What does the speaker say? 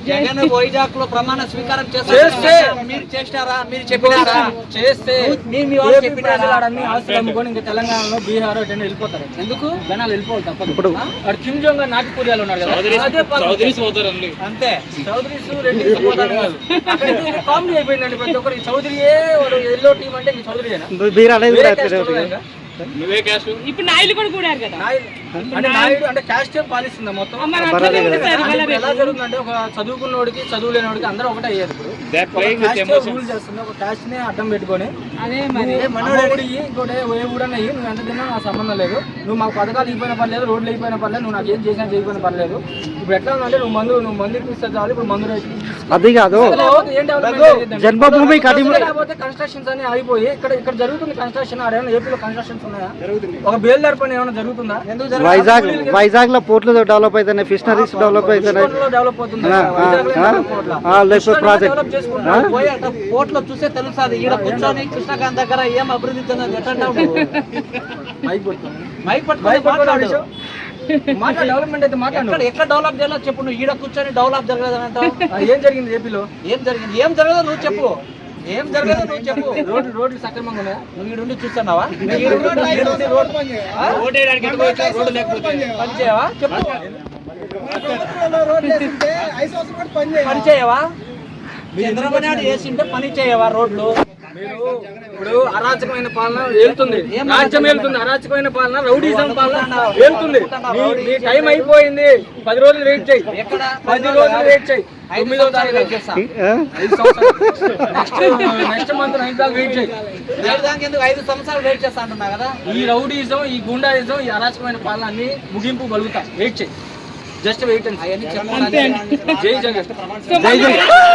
జగన్ వైజాగ్ లో ప్రమాణ స్వీకారం చేస్తే మీరు చేస్తారా? మీరు చెప్పినారా? చేస్తే మీ వాళ్ళు చెప్పినారా? ఆస్తులు అమ్ముకొని ఇంకా తెలంగాణలో బీహార్ వెళ్ళిపోతారు. ఎందుకు? జనాలు వెళ్ళిపోవాలి తప్పదు. ఇప్పుడు కిమ్ జోంగ్ నాటుకూరియాలు ఉన్నారు కదా, అంతే. చౌదరీస్ రెడ్డి కామెడీ అయిపోయిందండి ప్రతి ఒక్కరు. చౌదరియే ఎల్లో టీం అంటే చౌదరి. ఇప్పుడు నాయుడు కూడా కూడారు కదా. అంటే నాయుడు అంటే క్యాస్ట్ పాలిస్తుందా మొత్తం? ఎలా జరుగుతుందంటే ఒక చదువుకున్నోడికి చదువు లేనివాడికి అందరూ ఒకటే అయ్యారు. ఇప్పుడు రూల్ చేస్తుంది, ఒక క్యాస్ట్ ని అడ్డం పెట్టుకొని ఇంకోటి ఏ ఊడన్నా నువ్వు ఎంత తిన్నా నాకు సంబంధం లేదు, నువ్వు మాకు పథకాలు ఇవ్వకపోయినా పర్లేదు, రోడ్లు అయిపోయినా పర్లేదు, నువ్వు నాకు ఏం చేసినా చేయకపోయినా పర్లేదు. ఇప్పుడు ఎట్లా ఉందంటే నువ్వు మందు ఇస్తే చాలు. ఇప్పుడు మందు అది కాదు, జన్మభూమి కన్స్ట్రక్షన్స్ అని ఆగిపోయి ఇక్కడ జరుగుతుంది కన్స్ట్రక్షన్. ఆడేమన్నా ఏపీలో కన్స్ట్రక్షన్స్ ఉన్నాయా? ఒక బేల్దార్ పని ఏమైనా జరుగుతుందా? వైజాగ్ లో పోర్ట్లు డెవలప్ అవుతున్నాయి, ఫిషనరీస్ డెవలప్ అవుతున్నాయి, డెవలప్ అవుతుంది. పోర్ట్లో చూసే తెలుస్తుంది. ఈడ కూర్చొని కృష్ణకాంత్ దగ్గర ఏం అభివృద్ధి చెందని డెవలప్మెంట్ అయితే మాట్లాడు. ఎక్కడ డెవలప్ చేయాలో చెప్పు. నువ్వు ఈడ కూర్చొని డెవలప్ జరగదని అంటావు. ఏం జరిగింది ఏపీలో? ఏం జరిగింది? ఏం జరగదో నువ్వు చెప్పు. ఏం జరగదో నువ్వు చెప్పు. రోడ్లు సక్రమంగా ఉన్నాయా? నువ్వు ఈడుండి చూస్తున్నావా? పని చేయవా? చెప్పు. పని చేయవా? చంద్రబాబు నాయుడు వేసింటే పని చేయవా రోడ్లు? ఇప్పుడు అరాచకమైన పాలన వెళ్తుంది, రాజ్యం వెళ్తుంది. అరాచకమైన పాలన, రౌడీజం పాలన వెళ్తుంది. నీ టైం అయిపోయింది. 10 రోజులు వెయిట్ చేయి. 10 రోజులు వెయిట్ చేయి. 9వ తారీఖు వెయిట్ చేస్తా. నెక్స్ట్ మంత్ 9 దాకా వెయిట్ చేయి. 5 సంవత్సరాలు వెయిట్ చేస్తా అంటున్నా కదా. ఈ రౌడీజం, ఈ గుండాయిజం, ఈ అరాచకమైన పాలన అన్ని ముగింపు కలుగుతా. వెయిట్ చేయి. జస్ట్ వెయిట్ అండి. జై జగన్.